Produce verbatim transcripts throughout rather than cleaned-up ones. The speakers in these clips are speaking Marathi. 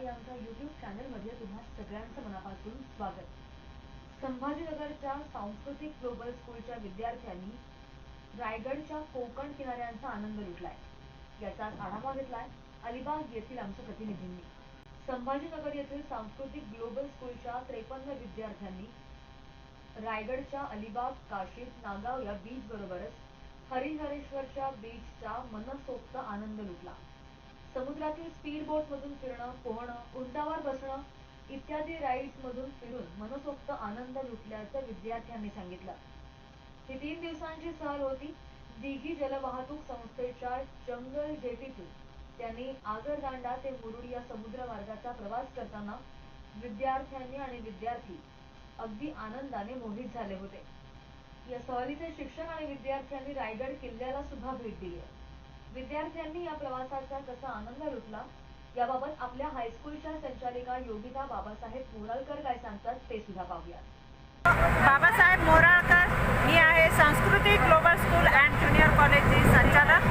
या आमच्या यूट्यूब चॅनलमध्ये तुम्हा सगळ्यांचं मनापासून स्वागत. संभाजीनगरच्या सांस्कृतिक ग्लोबल स्कूलच्या विद्यार्थ्यांनी रायगडच्या कोकण किनाऱ्यांचा आनंद लुटलाय. याचाच आढावा घेतलाय अलिबाग येथील आमच्या प्रतिनिधींनी. संभाजीनगर येथील सांस्कृतिक ग्लोबल स्कूलच्या त्रेपन्न विद्यार्थ्यांनी रायगडच्या अलिबाग, काशीद, नागाव या बीच बरोबरच हरिहरेश्वरच्या बीचचा मनसोक्त आनंद लुटला. समुद्रातील स्पीड बोट मधून फिरणं, पोहणं, उंटावर बसणं इत्यादी राईड्स मधून फिरून मनसोक्त आनंद लुटल्याचं विद्यार्थ्यांनी सांगितलं. ही तीन दिवसांची सहल होती. दिघी जलवाहतूक संस्थेच्या जंगल जेटीतून त्यांनी आगरदांडा ते मुरुड या समुद्र मार्गाचा प्रवास करताना विद्यार्थ्यांनी आणि विद्यार्थी अगदी आनंदाने मोहित झाले होते. या सहलीचे शिक्षक आणि विद्यार्थ्यांनी रायगड किल्ल्याला सुद्धा भेट दिली. विद्यार्थ्यांनी या प्रवासाचा कसा आनंद लुटला याबाबत आपल्या हायस्कूलच्या संचालिका योगिता बाबासाहेब मोराळकर काय सांगतात ते सुद्धा पाहूया. बाबासाहेब मोराळकर, मी आहे सांस्कृतिक ग्लोबल स्कूल अँड ज्युनियर कॉलेजची संचालक.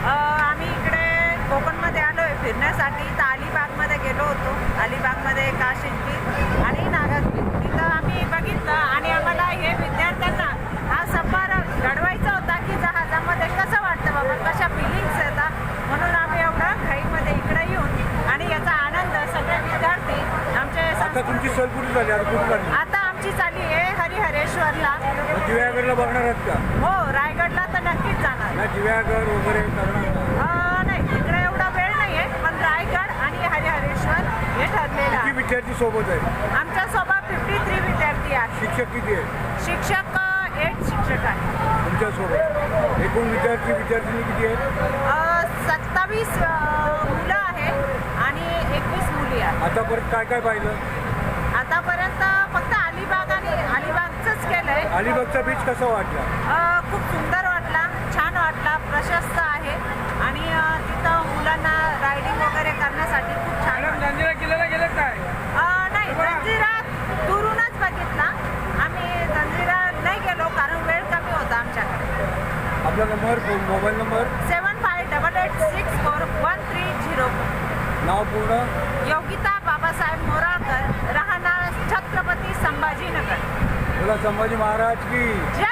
आम्ही इकडे कोकणमध्ये आलो आहे फिरण्यासाठी. तर अलिबागमध्ये गेलो होतो. अलिबागमध्ये काशीद बीच आणि नागाव बीच तिथं आम्ही बघितलं आणि आम्हाला हे विद्यार्थ्यांना हा सफर घडवायचा होता की जहाजामध्ये कसं वाटतं बाबा, कशा फिलिंग्स येतात, म्हणून आम्ही एवढं घाईमध्ये इकडे येऊन आणि याचा आनंद सगळे विद्यार्थी आमचे. आता तुमची सहल कुठे झाली? आता कुठे झाली? आता आमची चालली आहे हरिहरेश्वरला. दिव्यागडला बघणार आहात का? हो, रायगडला तर नक्कीच जाणार. नाही, दिव्यागड वगैरे करणार नाही, तिकडे एवढा वेळ नाहीये, पण रायगड आणि हरिहरेश्वर हे ठरलेलं आहे. किती विद्यार्थी सोबत आहे? आमच्या सोबत फिफ्टी थ्री विद्यार्थी आहेत. शिक्षक किती आहेत? शिक्षक एट शिक्षक आहेत तुमच्या सोबत. एकूण विद्यार्थी विद्यार्थिनी किती आहेत? सत्तावीस मुलं आहेत आणि एकवीस मुली आहेत. आतापर्यंत काय काय पाहिलं? आतापर्यंत फक्त अलिबाग आणि अलिबागचंच केलंय. अलिबागचा बीच कसा वाटला? खूप सुंदर वाटला, छान वाटला, प्रशस्त आहे आणि तिथं मुलांना रायडिंग वगैरे करण्यासाठी खूप छान. जंजिरा किल्ल्याला गेले काय? नाही, जंजिरा दुरूनच बघितला. आम्ही जंजिरा नाही गेलो कारण वेळ कमी होता आमच्याकडे. आपला number, mobile number? Seven five double eight six four one three zero. नाव पूर्ण? योगिता बाबासाहेब मोराळकर, राहणार छत्रपती संभाजीनगर. बोला संभाजी महाराज की जय.